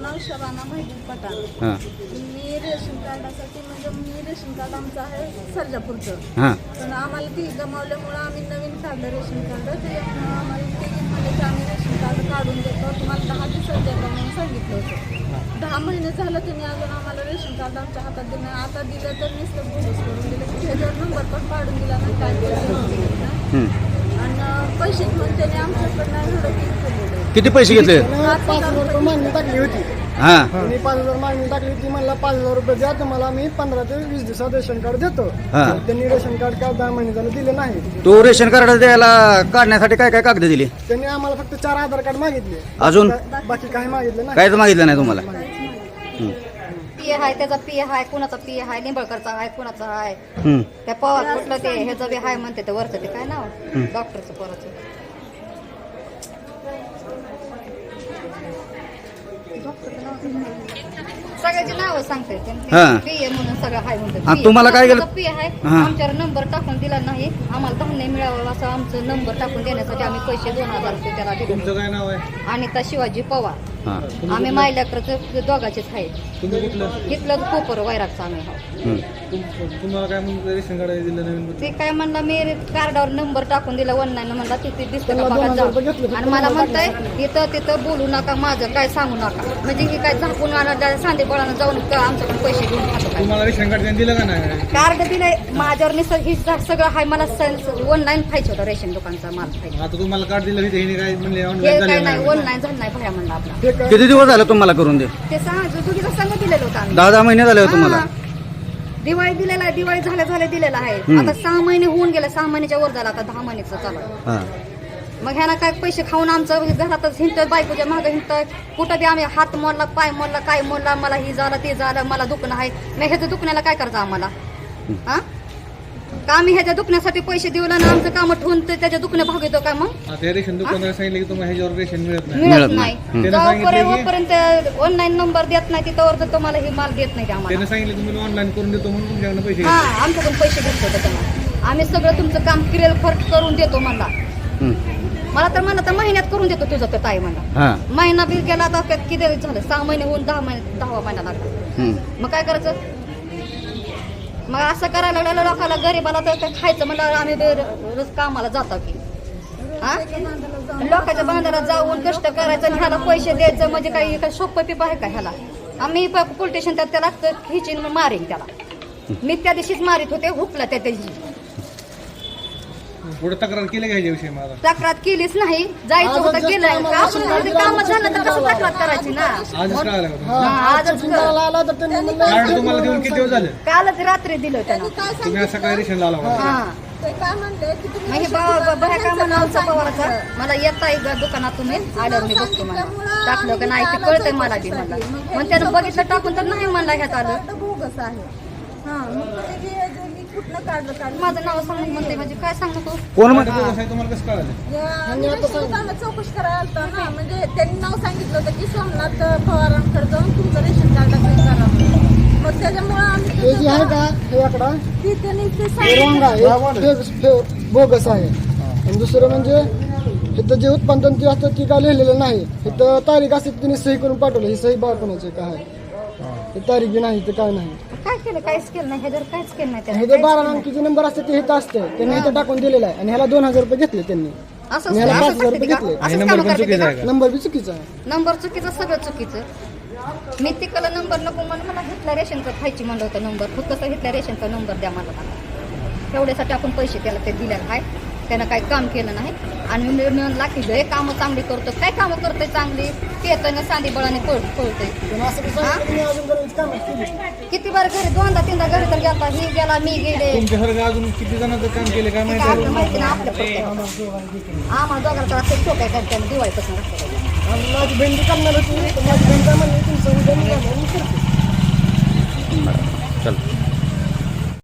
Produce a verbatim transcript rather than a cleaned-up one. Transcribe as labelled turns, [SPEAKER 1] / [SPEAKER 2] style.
[SPEAKER 1] नाव शबाना माहिती पठाण.
[SPEAKER 2] हां
[SPEAKER 1] मी रेशन कार्डासाठी म्हणजे मी रेशन कार्ड आमचं आहे सर्जापूरचं.
[SPEAKER 2] हां
[SPEAKER 1] पण आम्हाला ती गमावल्यामुळं आम्ही नवीन काढलं रेशन कार्ड. त्याच्यामुळं आम्हाला ते म्हणजे की आम्ही रेशन कार्ड काढून देतो, तुम्हाला दहा दिवसात द्यायला म्हणून सांगितलं होतं. दहा महिने झालं त्यांनी अजून आम्हाला रेशन कार्ड आमच्या हातात दिलं नाही. आता दिलं तर नुसतं बोगस करून दिलं की त्याच्यावर नंबर पण काढून दिला नाही, काय दिलं नाही. आणि पैसे घेऊन त्याने आमच्याकडनं एवढं केलं.
[SPEAKER 2] किती पैसे घेतले?
[SPEAKER 3] पाच हजार रुपये मागणी टाकली होती.
[SPEAKER 2] हां
[SPEAKER 3] मी पाच हजार मागणी टाकली होती. मला पाच हजार रुपये द्या, तुम्हाला मी पंधरा ते वीस दिवसात रेशन कार्ड देतो.
[SPEAKER 2] हां.
[SPEAKER 3] त्यांनी रेशन कार्ड काय दहा महिने झालं दिलं नाही.
[SPEAKER 2] तो रेशन कार्ड द्यायला काढण्यासाठी काय काय कागद दिली?
[SPEAKER 3] त्यांनी आम्हाला फक्त चार आधार कार्ड मागितले,
[SPEAKER 2] अजून
[SPEAKER 3] बाकी काही मागितलं नाही.
[SPEAKER 2] काहीच मागितलं नाही तुम्हाला? हं.
[SPEAKER 4] पी आहे त्याचा पी आहे, कुणाचा पी आहे, निंबळकरचा आहे, कुणाचा आहे,
[SPEAKER 2] हं.
[SPEAKER 4] त्या पवार कुठलं ते ह्याचं बी आहे म्हणते ते वरचं ते काय नाव डॉक्टरचं पोराचं सगळ्याची नावं सांगते
[SPEAKER 2] हां.
[SPEAKER 4] पी आहे म्हणून सगळं आहे
[SPEAKER 2] हां,
[SPEAKER 4] म्हणते.
[SPEAKER 2] तुम्हाला काय केलं?
[SPEAKER 4] पी आहे
[SPEAKER 2] हां.
[SPEAKER 4] आमच्यावर नंबर टाकून दिला नाही, आम्हाला धान्य मिळावं असं आमचं नंबर टाकून देण्यासाठी आम्ही पैसे दोन हजार रुपये त्याला दिले.
[SPEAKER 5] काय नाव आहे?
[SPEAKER 4] अनिता शिवाजी पवार.
[SPEAKER 2] हां
[SPEAKER 4] आम्ही मायल्याकडचं दोघाचेच आहे.
[SPEAKER 5] तुम्ही कुठलं?
[SPEAKER 4] इथलं कोपर वैरागचं आम्ही आहोत.
[SPEAKER 2] हं.
[SPEAKER 5] तुम- तुम्हाला काय म्हणून रेशन कार्ड दिलं नवीन?
[SPEAKER 4] ते काय म्हणला मी कार्डावर नंबर टाकून दिला ऑनलाईन म्हणला तिथे दिसतं का
[SPEAKER 3] त्यांना
[SPEAKER 4] बघा
[SPEAKER 3] दोन हजार रुपये
[SPEAKER 4] जाऊ.
[SPEAKER 3] घेतले.
[SPEAKER 4] आणि मला म्हणताय इथं तिथं बोलू नका, माझं काय सांगू नका. म्हणजे ही काय झाकून सांदे बळानं जाऊन क- आमच्याकडून पैसे घेऊन खातो काय.
[SPEAKER 5] तुम्हाला रेशन कार्ड त्यांनी दिलं का नाही?
[SPEAKER 4] कार्ड दिलंय माझ्यावर निसर्ग ही जा- सगळं आहे. मला ऑनलाईन खायचं होतं रेशन दुकानचा माल खायचा.
[SPEAKER 5] आता तुम्हाला कार्ड दिलं तिथे हिने काय म्हणले
[SPEAKER 4] हे
[SPEAKER 5] ऑनलाईन
[SPEAKER 4] काय
[SPEAKER 5] झाले
[SPEAKER 4] नाही
[SPEAKER 5] नाही?
[SPEAKER 4] ऑनलाईन झालं नाही भया म्हणला आपला.
[SPEAKER 3] हे काय-
[SPEAKER 2] किती दिवस झाले तुम्हाला करून दे?
[SPEAKER 4] ते सांग तुझीचं संग दिलेलं होतं आम्ही.
[SPEAKER 2] दहा दहा महिने झाले हो तुम्हाला?
[SPEAKER 4] हा. दिवाळी दिलेला आहे, दिवाळी झाल्या झाल्या दिलेला आहे.
[SPEAKER 2] हम्म.
[SPEAKER 4] आता सहा महिने होऊन गेले, सहा महिन्याच्या वर झाला, आता दहा महिन्याचं चालू आहे.
[SPEAKER 2] हां
[SPEAKER 4] मग ह्याला काय पैसे खाऊन आमचं घरातच हिंडतोय, बायकोच्या मागं हिंडतोय. कुठं बी आम्ही हात मोडला, पाय मोडला, काय मोडला, मला ही झालं ते झालं, मला दुखणं आहे. मग ह्याचं दुखण्याला काय करायचं आम्हाला? हा का आम्ही ह्याच्या दुखण्यासाठी पैसे देऊ ना आमचं काम ठेवून ते त्याच्या दुखणं भागवतो का? मग
[SPEAKER 5] आता हे रेशन दुकानाला सांगितलं की तुम्हाला ह्याच्यावर रेशन मिळत नाही.
[SPEAKER 4] मिळत
[SPEAKER 2] मिळत
[SPEAKER 4] नाही.
[SPEAKER 2] नाही.
[SPEAKER 5] त्यानं सांगितलं की-
[SPEAKER 4] जोपर्यंत ऑनलाईन नंबर देत नाही तिथं तर तुम्हाला ही माल देत नाही ते आम्हाला.
[SPEAKER 5] त्यानं सांगितलं तुम्ही ऑनलाईन करून देतो म्हणून तुमच्याकडनं पैसे
[SPEAKER 4] हा
[SPEAKER 5] घेतले.
[SPEAKER 4] आमच्याकडून पैसे घेतले त्याच्यामुळे आम्ही सगळं तुमचं काम क्लिअर खर्च करून देतो म्हणला.
[SPEAKER 2] हं.
[SPEAKER 4] मला तर म्हणलं तर महिन्यात करून देतो तुझं तर ताई म्हणला.
[SPEAKER 2] हां
[SPEAKER 4] महिना बिल गेला आता काय किती झालं? सहा महिने होऊन दहा महिने दहावा महिना लागला.
[SPEAKER 2] हं.
[SPEAKER 4] मग काय करायचं? मग असं करायला लागलं लोकांना गरीबाला तर काय खायचं म्हणलं आम्ही बे- रोज कामाला जातो की हा लोकांच्या बांधाला जाऊन कष्ट करायचं आणि ह्याला पैसे द्यायचं म्हणजे काही काय सोपं पिप आहे का ह्याला? आम्ही पोलीस स्टेशन त्यात त्याला खिचीन मारीन त्याला. मी त्या दिवशीच मारित होते, हुकला त्या दिवशी.
[SPEAKER 5] पुढे तक्रार केली का ह्याच्याविषयी मला?
[SPEAKER 4] तक्रार केलीच नाही, जायचं होतं गेलं. आपण काम झालं तर कसं तक्रार करायची ना?
[SPEAKER 5] आजच कळालं का तुम्हाला?
[SPEAKER 3] हा,
[SPEAKER 4] हा, आजच
[SPEAKER 3] चुकून जरा आला तर त्यांनी म्हणलं,
[SPEAKER 5] कार्ड तुम्हाला देऊन किती दिवस झाले?
[SPEAKER 4] कालच रात्री दिलं त्यानं.
[SPEAKER 5] तुम्ही आज सकाळी रेशन लावला का?
[SPEAKER 4] हा
[SPEAKER 1] ते काय म्हणले की तुम्ही
[SPEAKER 4] म्हणजे बाबा बाहेर काय म्हणा आमचा पवाराचा मला येता आहे दुकानात तुम्ही आल्यावर मी बघतो मला टाकलं का नाही ते कळतंय मला बी म्हणला. मग त्यानं बघितलं टाकून तर नाही म्हणला ह्यात आलं.
[SPEAKER 1] कार्ड बोगस आहे. हा मग तुम्ही जे- जे मी कुठलं काढलं काढलं
[SPEAKER 4] माझं नाव सांगून म्हणते म्हणजे काय सांगू तू?
[SPEAKER 2] कोण म्हण
[SPEAKER 5] कार्ड बोगस आहे तुम्हाला कसं कळालं?
[SPEAKER 1] या रेशन दुकानात चौकशी करायला आलता ना, म्हणजे त्यांनी नाव सांगितलं होतं की सोमनाथ पवारांकडे जाऊन तुमचं रेशन कार्ड करा म्हणून. मग त्याच्यामुळे आम्ही
[SPEAKER 3] हे जे आहे का हे आकडा
[SPEAKER 1] ती त्यांनी ते
[SPEAKER 3] हे रॉंग आहे, हे फे- बोगस आहे. आणि दुसरं म्हणजे इथं जे उत्पादन ते असतं ती काय लिहिलेलं नाही. इथं तारीख असते तिने सही करून पाठवलं, ही सही बा कोणाची काय आहे ते तारीख बी नाही, ते काय नाही.
[SPEAKER 4] काय केलं? काहीच केलं नाही ह्याच्यावर, काहीच केलं नाही
[SPEAKER 3] हे जे
[SPEAKER 4] त्यानं.
[SPEAKER 3] बारा अंकीचे नंबर असते ते इथं असते, त्यांनी इथं टाकून दिलेलं आहे. आणि ह्याला दोन हजार रुपये घेतले त्यांनी.
[SPEAKER 4] असं
[SPEAKER 3] ह्याला पाच
[SPEAKER 4] असं
[SPEAKER 3] हजार
[SPEAKER 4] करते
[SPEAKER 3] रुपये
[SPEAKER 4] का?
[SPEAKER 3] घेतले.
[SPEAKER 5] हे
[SPEAKER 4] असंच
[SPEAKER 5] नंबर
[SPEAKER 4] कामं
[SPEAKER 5] पण
[SPEAKER 4] करते
[SPEAKER 5] चुकीचा
[SPEAKER 4] का?
[SPEAKER 5] आहे का?
[SPEAKER 3] नंबर बी चुकीचा आहे.
[SPEAKER 4] नंबर चुकीचं, सगळं चुकीचं. मी तिकडं नंबर नको म्हणून मला हिटल्या रेशनचं खायची म्हणलं होतं नंबर. फक्त कसं हिटल्या रेशनचा नंबर द्या मला. तेवढ्यासाठी आपण पैसे त्याला ते दिलेलं आहे. त्यानं काही काम केलं नाही आणि मी म्हणला की हे कामं चांगली करतो. काय कामं करतोय चांगली? पेतोय सांदी बळाने पळ पळतोय.
[SPEAKER 3] पण असं कसं आहे, तुम्ही अजून बरेच कामं केली.
[SPEAKER 4] किती बार घरी दोनदा तीनदा घरी तर गेला, ही गेला, मी गेले.
[SPEAKER 5] तुमच्यासारखं अजून किती जणांचं काम केलं काय
[SPEAKER 4] ते
[SPEAKER 5] माहिती
[SPEAKER 4] काय
[SPEAKER 5] आहे?
[SPEAKER 4] आपलं माहिती ना आपल्या फक्त. आम्हाला दोघांचा असं टोकाय करते दिवाळीपासून असतं.
[SPEAKER 3] आणि माझी बहीण बी करणार होती, तर माझी बहीण काय म्हणली तुमचं उद्या निघालं मी करते.
[SPEAKER 2] चल